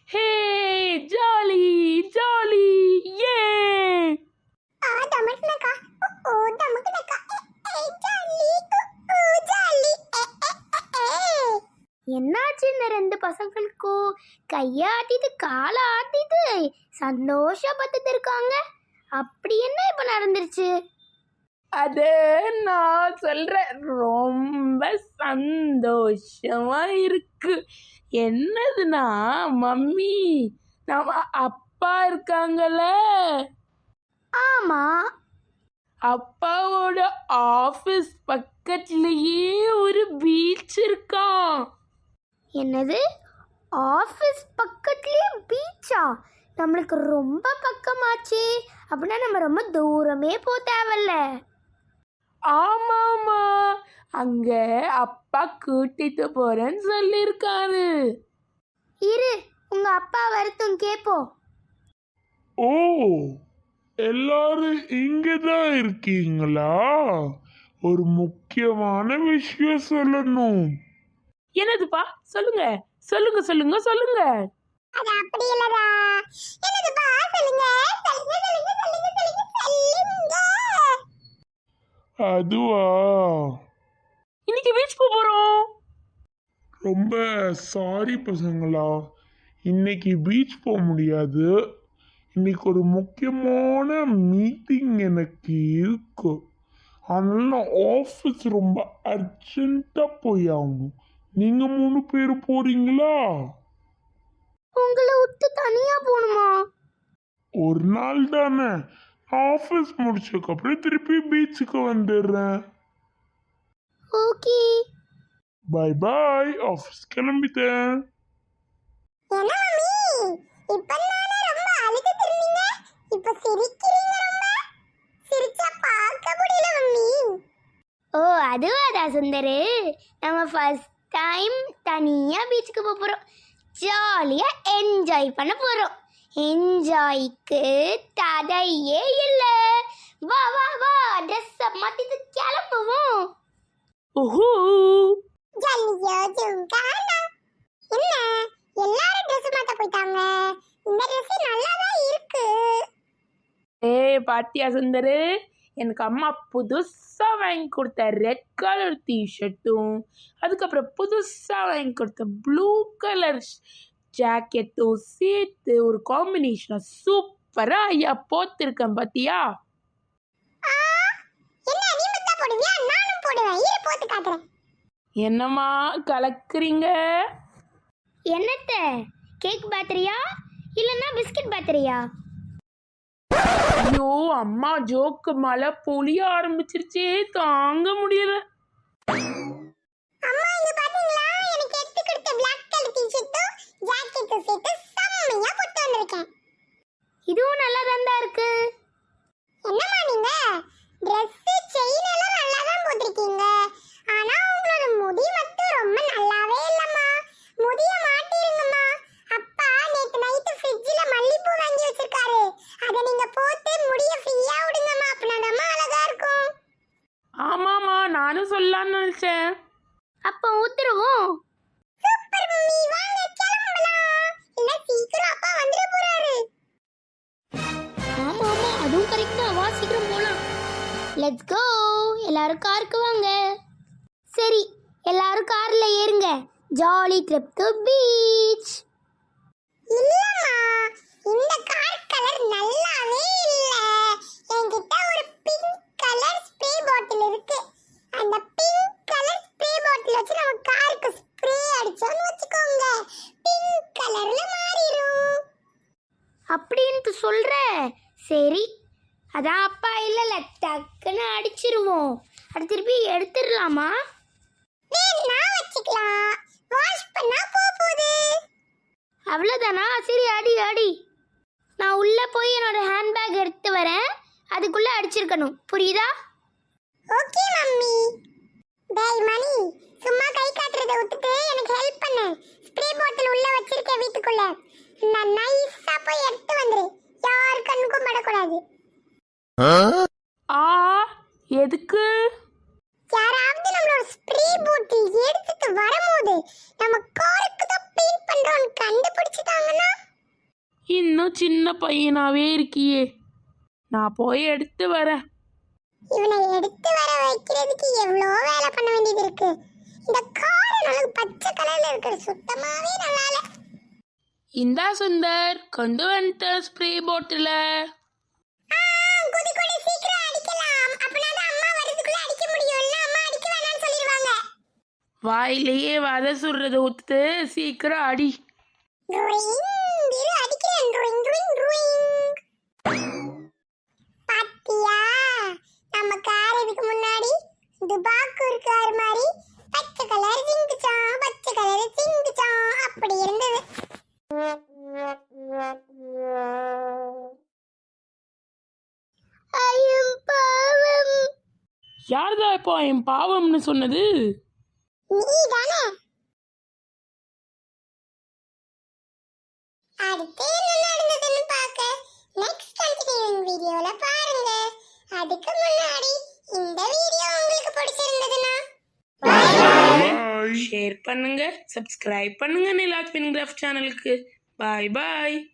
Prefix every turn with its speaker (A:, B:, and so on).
A: ஹே jolly jolly ஏ
B: என்னாச்சு இந்த ரெண்டு பசங்களுக்கும் கையாட்டிட்டு காலை ஆட்டிட்டு சந்தோஷப்பட்டுட்டு இருக்காங்க. அப்படி என்ன இப்ப நடந்துருச்சு?
A: அது நான் சொல்றேன், ரொம்ப சந்தோஷமா இருக்கு. என்னதுன்னா மம்மி, நம்ம அப்பா இருக்காங்கல்ல,
B: ஆமா,
A: அப்பாவோட ஆபீஸ் பக்கத்துலயே ஒரு பீச் இருக்கான்.
B: என்னது? ஆஃபீஸ் பக்கத்துலயே பீச்சா? நம்மளுக்கு ரொம்ப பக்கமாச்சே. அப்படின்னா நம்ம ரொம்ப தூரமே போக தேவையில்ல.
A: ஆமாமா, அங்க அப்பா கூட்டிட்டு போறேன்னு சொல்லியிருக்காரு.
B: இரு, உங்க அப்பா வரட்டும் கேப்போம்.
C: ஓ, எல்லாரும் இங்கதான் இருக்கீங்களா? ஒரு முக்கியமான விஷயம் சொல்லணும்.
A: என்னதுப்பா? சொல்லுங்க சொல்லுங்க சொல்லுங்க சொல்லுங்க.
B: அது அப்படி இல்லடா. என்னதுப்பா? சொல்லுங்க சொல்லுங்க சொல்லுங்க சொல்லுங்க சொல்லுங்க.
C: அதுவா,
A: இன்னைக்கு பீச் போறோம்.
C: ரொம்ப சாரி பசங்களா, இன்னைக்கு பீச் போக முடியாது. இன்னைக்கு ஒரு முக்கியமான மீட்டிங் எனக்கு இருக்கு. அதனால நான் ஆஃபீஸ் ரொம்ப அர்ஜென்ட்டாக போய் ஆகணும். நீங்கள் 3 பேர் போறீங்களா?
B: உங்களை விட்டு தனியா போணுமா?
C: ஒரு நாள் தானே, ஆஃபீஸ் முடிச்சதுக்கப்புறம் திருப்பி பீச்சுக்கு வந்துடுறேன்.
B: ஓகே.
C: பை பாய், ஆஃபீஸ் கிளம்பிட்டேன்.
B: என்ன மம்மி, இப்பதானே ரொம்ப அழுதுட்டு இருந்தீங்க, இப்ப சிரிக்கிறீங்க. ரொம்ப சிரிச்சா பார்க்க முடியல மம்மி. ஓ, அதுவாடா சுந்தரு, நம்ம ஃபர்ஸ்ட் டைம் தனியா பீச்சுக்கு போக போறோம். ஜாலியா என்ஜாய் பண்ண போறோம். என்ஜாய்க்கு தடையே இல்லை. வா வா வா, ட்ரெஸ் மாத்திட்டு கிளம்புவோம்.
A: ஓஹோ,
B: ஜல்லியோ ஜுங்கானா. என்ன எல்லாரும் ட்ரெஸ் மாத்த போயிட்டாங்க? இந்த ட்ரெஸ் நல்லா தான் இருக்கு.
A: பாத்தியா சுந்தரு, எனக்கு அம்மா புதுசா வாங்கி கொடுத்த ரெட் கலர் டிஷர்ட்டும், அதுக்கப்புறம் புதுசா வாங்கி கொடுத்த ப்ளூ கலர் ஜாக்கெட்டும் சேர்த்து ஒரு காம்பினேஷனா சூப்பரா ஐயா போத்திருக்கேன். பாத்தியா?
B: என்ன நீ மட்டும் போடுவியா? நானும் போடுவேன். இரு போட்டு காட்டுறேன்.
A: என்னம்மா கலக்குறீங்க?
B: என்னத்த? கேக் பேட்டரியா இல்லனா பிஸ்கட் பேட்டரியா?
A: ஐயோ அம்மா, ஜோக்கு மழை பொழிய ஆரம்பிச்சிருச்சே, தாங்க முடியல.
B: அம்மா இங்க பாத்தீங்களா, எனக்கு எடுத்து கொடுத்த Black கலர் டி-ஷர்ட்டும் ஜாக்கெட்டும் சேர்த்து செம்மையா போட்டு வந்திருக்கேன். இதுவும் நல்லா தான் இருக்கு. என்னம்மா நீங்க Dress செயின் எல்லாம் நல்லா தான் போட்டுருக்கீங்க. ஆனா உங்களோட முடி மட்டும் ரொம்ப நல்லாவே இல்லம்மா. முடிய மாட்டிருங்கம்மா. அப்பா நேத்து நைட் ஃப்ரிட்ஜ்ல மல்லிப்பூ வாங்கி வச்சிருக்காரு. அத நீங்க போட்டு முடிய ஃப்ரீயா விடுங்கம்மா. அப்பனாதாம்மா அழகா இருக்கும்.
A: ஆமாமா, நானும் சொல்லலாம்னு நினைச்சேன்.
B: அப்ப ஊத்துருவோம். சூப்பர் மம்மி, வாங்க கிளம்பலாம். இல்ல சீக்கிரம் அப்பா வந்துட போறாரு. ஆமா ஆமா, அதுவும் கரெக்ட் தான். வா சீக்கிரம் போலாம். Let's go. எல்லாரும் காருக்கு வாங்க. சரி, எல்லாரும் கார்ல ஏறுங்க. Jolly trip to beach. இல்லம்மா, இந்த கார் கலர் நல்லாவே இல்ல. என்கிட்ட ஒரு பிங்க் கலர் ஸ்ப்ரே பாட்டில் இருக்கு. அந்த பிங்க் கலர் ஸ்ப்ரே பாட்டில் வச்சு நம்ம காருக்கு ஸ்ப்ரே அடிச்சோம்னு வச்சுக்கோங்க, பிங்க் கலர்ல மாறிடும். அப்படின்ட்டு சொல்ற? சரி, அதான் அப்பா இல்லல, டக்குன்னு அடிச்சிருவோம். அது திருப்பி எடுத்துடலாமா? நான் வச்சுக்கலாம். வாஷ் பண்ணா போகுது. அவ்வளவுதானா? சரி, அடி அடி. நான் உள்ள போய் என்னோட ஹேண்ட்பேக் எடுத்து வரேன். அதுக்குள்ள அடிச்சிருக்கணும், புரியுதா? Okay mummy. டேய் மணி, சும்மா கை காட்டுறத விட்டுட்டு எனக்கு ஹெல்ப் பண்ணு. ஸ்ப்ரே பாட்டில் உள்ள வச்சிருக்கேன் வீட்டுக்குள்ள. நான் நைஸா போய் எடுத்து வந்துரு. யார் கண்ணுக்கும் படக்கூடாது.
A: ஆ, எதுக்கு?
B: யாராவது நம்மளோட ஸ்ப்ரே பாட்டில் எடுத்துட்டு வரும்போது நம்ம காருக்கு தான் பெயிண்ட் பண்றோம்னு கண்டுபிடிச்சிட்டாங்கன்னா
A: இன்னும் சின்ன பையனாவே இருக்கியே, நான் போய் எடுத்து வரேன்.
B: இவனை எடுத்து வர வைக்கிறதுக்கு எவ்வளோ வேலை பண்ண வேண்டியது இருக்கு. இந்த கார் நமக்கு பச்சை கலர்ல இருக்கிற சுத்தமாவே நல்லா இல்ல.
A: இந்தா சுந்தர், கொண்டு வந்துட்ட ஸ்ப்ரே பாட்டில.
B: குதி குதி சீக்கிரம் அடிக்கலாம். அப்பனா தான் அம்மா வரதுக்குள்ள அடிக்க முடியும்ல. அம்மா அடிக்க வேணாம்னு சொல்லிடுவாங்க.
A: வாயிலேயே வதை சுடுறத ஊத்து, சீக்கிரம் அடி.
B: அடிக்கிறேன். பாத்தியா, நம்ம கார் இதுக்கு முன்னாடி துபாக்கூர் கார் மாதிரி பச்சை கலர் சிங்குச்சான், பச்சை கலர் சிங்குச்சான் அப்படி இருந்தது. ஐயம் பாவம்.
A: யார்தான் இப்போ என் பாவம்னு சொன்னது?
B: நீதானே. அடுத்து என்ன நடந்ததுன்னு பார்க்க நெக்ஸ்ட் கண்டினியூயிங் வீடியோல பாருங்க. அதுக்கு முன்னாடி இந்த வீடியோ உங்களுக்கு பிடிச்சிருந்ததுன்னா
C: பாய்.
A: ஷேர் பண்ணுங்க, சப்ஸ்கிரைப் பண்ணுங்க நிலாக்வின் கிராஃப்ட் சேனலுக்கு. பாய் பாய்.